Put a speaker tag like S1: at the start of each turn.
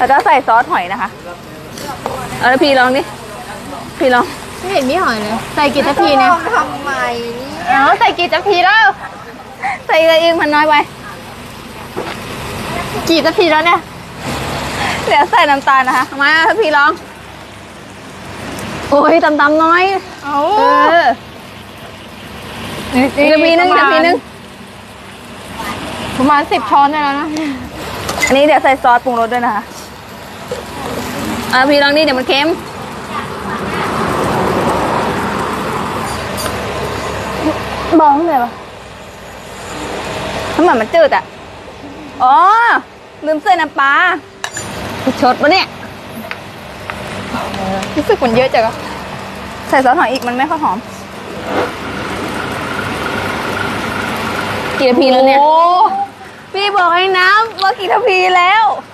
S1: แล้วก็ใส่ซอสหอยนะคะเอาแล้วพี่ลองดิพี่ลอง
S2: ไม่เห็นมีหอยเลยใส่กี่ทัพพีเนี่ย
S3: ทำไม
S2: เอาใส่กี่ทัพพีแล้ว
S1: ใส่อะไรอีกมันน้อยไป
S2: กี่ทัพพีแล้วเนี่ย
S1: เดี๋ยวใส่น้ำตาลนะคะมาถ้าพี่ลองโอ้ยตำๆน้อย
S2: เอา
S1: เอออีกกระพีนึงกระพีนึง
S2: ประมาณ10 ช้อนได้แล้วนะ
S1: อันนี้เดี๋ยวใส่ซอสปรุงรสด้วยนะคะพี่ลองนี่เดี๋ยวมันเค็มบอกเลยปะทำไมมันจืดอ่ะอ๋อลืมใส่น้ำปลาชดปะเนี่ย
S2: รู้สึกมันเยอะจังอะ
S1: ใส่ซอสหอยอีกมันไม่ค่อยหอมกี่นาทีแล้วเนี่ย
S2: โอ้
S1: พี่บอกให้น้ำว่ากี่นาทีแล้ว